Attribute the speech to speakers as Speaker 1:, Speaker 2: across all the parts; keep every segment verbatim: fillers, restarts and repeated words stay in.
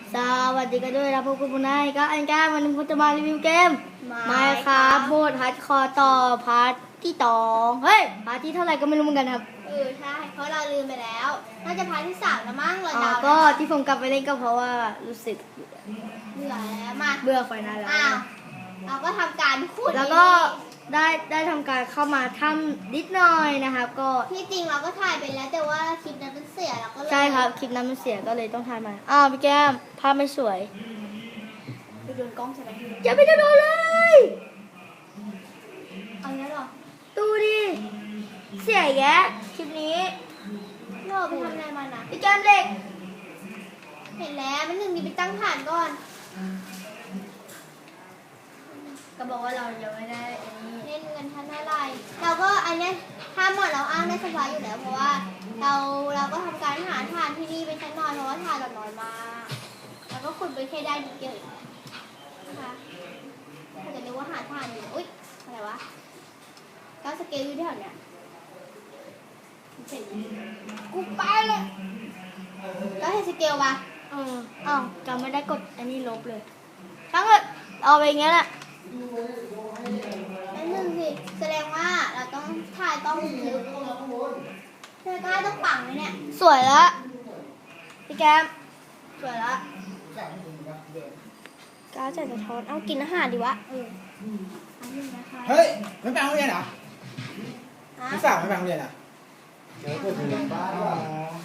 Speaker 1: สวัสดีกันด้วยนะพวกคุณผู้นายก็อันก้าวันนี้ผมจะมารีวิวเกมไม่ครับโหมดฮาร์ดคอร์ต่อพาร์ทที่สองเฮ้ยพาร์ทที่เท่าไหร่ก็ไม่รู้เหมือนกันครับ
Speaker 2: เออใช่เพราะเราลืมไปแล้วน่าจะพาร์ทที่สามแล้วมั้งเรา
Speaker 1: อ๋อ
Speaker 2: เดา
Speaker 1: ก็ที่ผมกลับไปเล่นก็เพราะว่ารู้สึก
Speaker 2: เบื่อแล้วมา
Speaker 1: เบื่อไฟนอลแล้ว
Speaker 2: อ้าวเราก็ทำการขุด
Speaker 1: แล้วก็ได้ได้ทำการเข้ามาทำนิดหน่อยนะครับก็
Speaker 2: ที่จริงเราก็ถ่ายไปแล้วแต่ว่าคลิปนั้นมันเสียเราก็เลย
Speaker 1: ใช่ครับคลิปนั้นมันเสียก็เลยต้องถ่ายใหม่อ้าวพี่แก้มภาพไม่สวย
Speaker 2: ไปโดนกล้องใช่ไหม
Speaker 1: อย่าไปโดนเลย
Speaker 2: เอางี้หรอ
Speaker 1: ดูดิเสียแยะคลิปนี้
Speaker 2: เราไปทำอะไรมานะ
Speaker 1: พี่แก้มเหล็ก
Speaker 2: เห็นแล้วมันหนึ่งดีไปตั้งฐานก่อน
Speaker 1: ก็บอกว่าเรายังไม่ได้อันนี้
Speaker 2: เล่นเงินทันเท่าไหร่เราก็อันเนี้ยถ้าหมดเราอ้างได้สบายอยู่แล้วเพราะว่าเราเราก็ทำการหาฐานที่นี่ไปชั้นนอนเพราะว่าฐานเราน้อยมากแล้วก็ขุดไปแค่ได้นิดเดียวเองนะคะถ้าจะเรียกว่าหาฐานอยู่อุ๊ยอะไรวะก็สเกลอยู่แถวเนี้ยเห็นกูไปเลยแล้วเห็นสเกลปะ
Speaker 1: เอออ้าวจำไม่ได้กดอันนี้ลบเลยทั้งหมดเอาไปอย่างเงี้ยแหละ
Speaker 2: นั่นหนึ่งสิแสดงว่าเราต้องถ่ายต้องลึกเธอก็ต้องปังเลยเนี่ย
Speaker 1: สวยแล้วพี่แก้มสวยแล้ว
Speaker 2: ก้าวจะสะท้อนเอากินอาหารดีวะเอออันนี้นะคะ
Speaker 3: เฮ้ยไม่ไปโรงเรียนเหรอ
Speaker 2: ฮะ
Speaker 3: พี่สาวไม่ไปโรงเรียนเหรอเดี๋ยวเปิดเรียนบ้านอ๋อ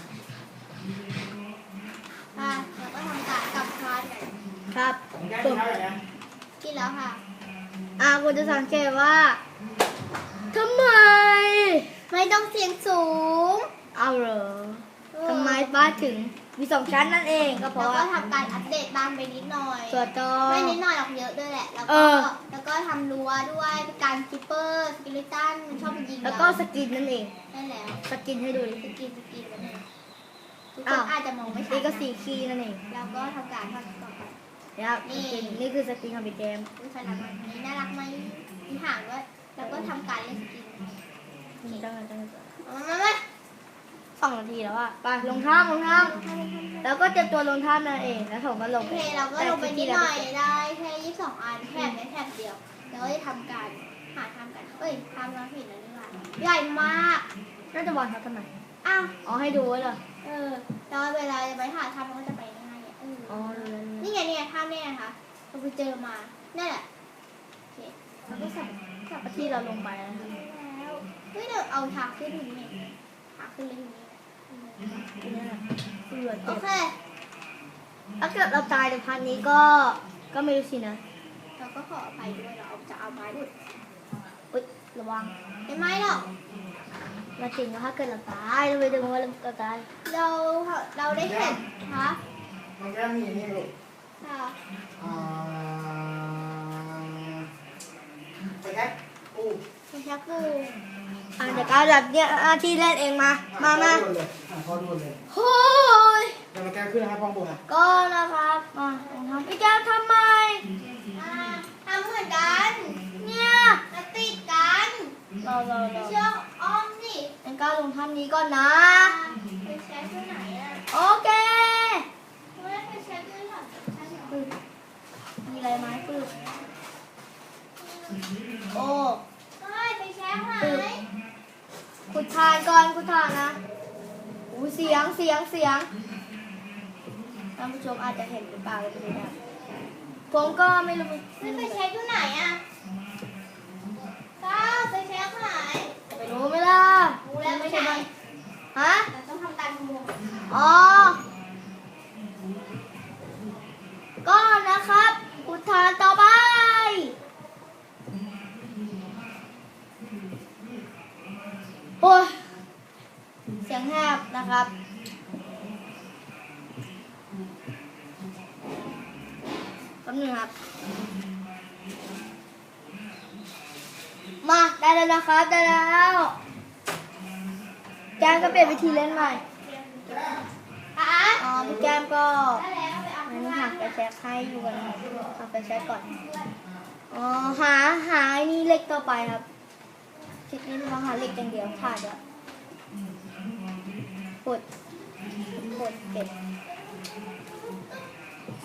Speaker 2: อ่ะเราก็ทำการกลับคานกัน
Speaker 1: ครับ
Speaker 3: ผมแก้กินข้าวอย่างเงี้ย
Speaker 2: กินแล้วค่ะ
Speaker 1: อ่าคุณจะสังเกตว่าทำไม
Speaker 2: ไม่ต้องเสียงสูง
Speaker 1: เอาเหรอทำไมบ้านถึงมีสองชั้นนั่นเองก็เพ
Speaker 2: แล้ว
Speaker 1: ราะ
Speaker 2: ก็
Speaker 1: ว่า
Speaker 2: ทำการอัปเดตบ้านไปนิดหน่อย
Speaker 1: ตัวจอ
Speaker 2: ไม่นิดหน่อยหรอกเยอะด้วยแหละ แล้ว
Speaker 1: เอ
Speaker 2: ก็
Speaker 1: อ
Speaker 2: แล้วก็ทำรั้วด้วยเป็นการคิปเปอร์สกิลิตันมันชอบมายิง
Speaker 1: แล้ว
Speaker 2: เรา
Speaker 1: ก็สกินนั่นเอง
Speaker 2: ได้แล้ว
Speaker 1: สกินให้ดูดิ
Speaker 2: สกินสกินกันเองทุกค
Speaker 1: อ้าน ว
Speaker 2: อาจจะมองไม่ชัด
Speaker 1: นี่ก็
Speaker 2: นะ
Speaker 1: สีคีย์นั่นเอง
Speaker 2: แล้วก็ทำการทำต่อไป
Speaker 1: นะครับ
Speaker 2: นี่
Speaker 1: สกินนี่คือสกินของพี่แก้ม
Speaker 2: ดูขนาดนี้น่ารักไหมมีหางด้วย แล้วก็ทำการเล่นสกิน
Speaker 1: จังเลยจังเลย
Speaker 2: เอามามา
Speaker 1: สองนาทีแล้วอะไปลงท่าลงท่าแล้วก็เตรียมตัวลงท่านั่นเองแล้วผมก็ล
Speaker 2: โอง เคเราก็ลงไปนิดหน่อยได้แค่ยี่สิบสองอันแถบนี้แถบเดียว แล้วก็จะทำการหาทำกัน เอ้ยทำมาผิดแล้วนี่หว่าใหญ่มาก
Speaker 1: น่าจะบอกเขาทำไม
Speaker 2: อ้าว
Speaker 1: อ๋อให้ดูไว้เหรอ
Speaker 2: เออแล้วเวลาจะไปหาทำมันก็จะไปง่ายๆเออ
Speaker 1: อ๋อรู้แล้ว
Speaker 2: นี่ไงเนี่ยท่าเนี่ยนะคะเราไปเจอมานั่นแหละโอเคเราก็สับสับไป
Speaker 1: ที่เราลงไปนะครับ
Speaker 2: แล้วเฮ้ยเดี๋ยวเอาทางขึ้นตรงนี้ทางขึ้นเลยตรงนี้
Speaker 1: ทีนี้แหละเสือ
Speaker 2: โอ
Speaker 1: เจ็บ
Speaker 2: เค
Speaker 1: ถ้าเกิดเราตายในพันนี้ก็ก็ไม่รู้สินะ
Speaker 2: เราก็ขออภัยด้วยเราเอาจะเอาไม้อุด
Speaker 1: อุ๊ยระวัง
Speaker 2: ไม่ไหมหรอก
Speaker 1: เราจริงว่าถ้าเกิดเราตายเราไปดูว่าเราตาย
Speaker 2: เราเราได้เห็นฮะ
Speaker 3: มันก็มีนี่ลูก
Speaker 2: ค่ะ
Speaker 3: อ่าไปแค่อู้
Speaker 2: คุณชักกู
Speaker 1: อ่ะเดี๋ยวก้าวจับเนี่ยหน้าที่เล่นเองมามามา
Speaker 3: พอดูเลยอ่ะพอดูเลย
Speaker 1: โอ้ย
Speaker 3: เดี๋ยวมาแก้ขึ้นนะครับพ่อบุญอ่ะ
Speaker 1: ก็นะครับมาทำพี่แก้วทำไม
Speaker 2: อ่าทำเหมือนกัน
Speaker 1: เนี่ย
Speaker 2: มาติดกัน
Speaker 1: รอรอรอ
Speaker 2: เชือกอ้อมสิ
Speaker 1: งั้นก้าวลงท่านนี้ก่อนนะ
Speaker 2: ไปใช้ที่ไหนอ่ะ
Speaker 1: โอเค
Speaker 2: ไม่ได้ไปใช้ที่ไหนใช่เหรอ
Speaker 1: ปึ๊บมีอะไรไหมปึ๊บโอ้
Speaker 2: ไม่ไปใช้ไหน
Speaker 1: ขุดทานก่อนขุดทานนะอู้เสียงเสียงเสียงท่านผู้ชมอาจจะเห็นหรือเปล่าก็ไม่รู้นะผมก็ไม่รู้
Speaker 2: ไม่ไปใช้ที่ไหนอ่ะก้าวไปใช้ไหน
Speaker 1: ไปรู้ไหมล่ะ
Speaker 2: รู้แล้วไม่ใช่ไหม
Speaker 1: ฮะ
Speaker 2: เราต้องทำการขโมย
Speaker 1: อ๋อก็นะครับขุดทานต่อไปโอ้ยเสียงแหบนะครับแป๊บนึงครับมาได้แล้วนะครับได้แล้วแก้มก็เปลี่ยนวิธีเล่นใหม่
Speaker 2: อ่ะ
Speaker 1: อ๋อพี่แก้มก็
Speaker 2: ได้แล้วไปเอา
Speaker 1: งั้
Speaker 2: ข้าน งล่า
Speaker 1: หั
Speaker 2: ง
Speaker 1: กไปแช็คให้อยู่กันครับหักไปแช็คก่อนอ๋อหาหาไอ้นี่เล็กต่อไปครับคลิปนี้เราหาเล็กอย่างเดียวขาดแล้วกดกดเก็บ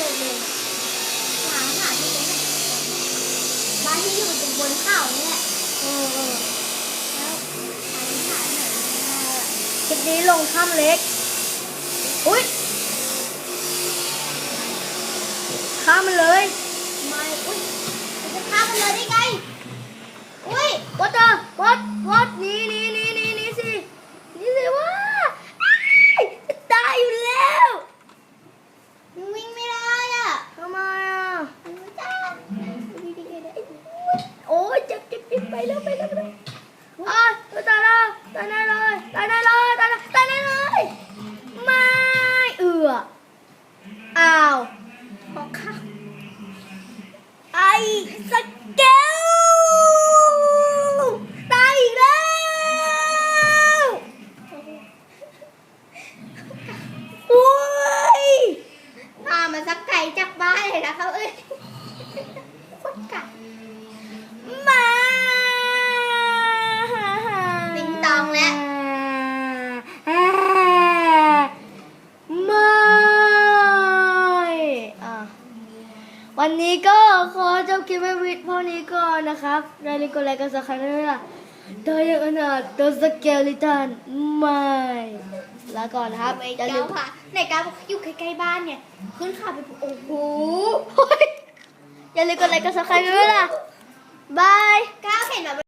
Speaker 2: ที่อยู่ตรงบนเขาเนี่ยแหละ
Speaker 1: เออเออ
Speaker 2: แล้วอธิษฐานหน่อย
Speaker 1: คลิปนี้ลงถ้ำเล็ก อุ้ยข้ามมันเลย
Speaker 2: ไม่อุ้ยมันจะฆ่ามันเลยได้ไงอุ้ย
Speaker 1: วัดเตอร์วัดวัดหนี่นี่นี่นี่นี่สินี่สิว่าจะตายอยู่แล้ว
Speaker 2: มันวิ่งไม่ได้อ่ะ
Speaker 1: ทำไมอ่ะ
Speaker 2: มันไม่ได้ดีดีเลย
Speaker 1: โอ้ยเจ็บเจ็บเจ็บไปแล้วไปแล้วไปแล้วอ้าวตายแล้วตายแน่เลยตายแน่เลยตายแน่ตายแน่เลยไม่เอืออ้าว
Speaker 2: พอฆ่า
Speaker 1: ไอ้สเกลตายอีกแล้วโอ้ย
Speaker 2: พามาสักไก่จากบ้านเลยนะครับเอ้ยโคตรกัด
Speaker 1: มา
Speaker 2: ติงตองแล้ว
Speaker 1: ไม่อ่ะวันนี้ก็ขอจบคลิปไว้วิดเท่านี้ก่อนนะครับอย่าลืมกดไลค์กดซับสไครต์ด้วยนะโดยยังอนาถตัวสเกลิตันไม่ลาก่อนนะครับ
Speaker 2: ไม่
Speaker 1: อย่า
Speaker 2: เจ้า
Speaker 1: ลืม
Speaker 2: ค่ะในการบอกอยู่ใกล้ๆบ้านเนี่ยขึ้นเขาไปปุ๊บโอ้โห
Speaker 1: อย่าลืมกดไลค์กดซับสไครต์ด้วยนะบาย
Speaker 2: ก้าวเห็นแบบ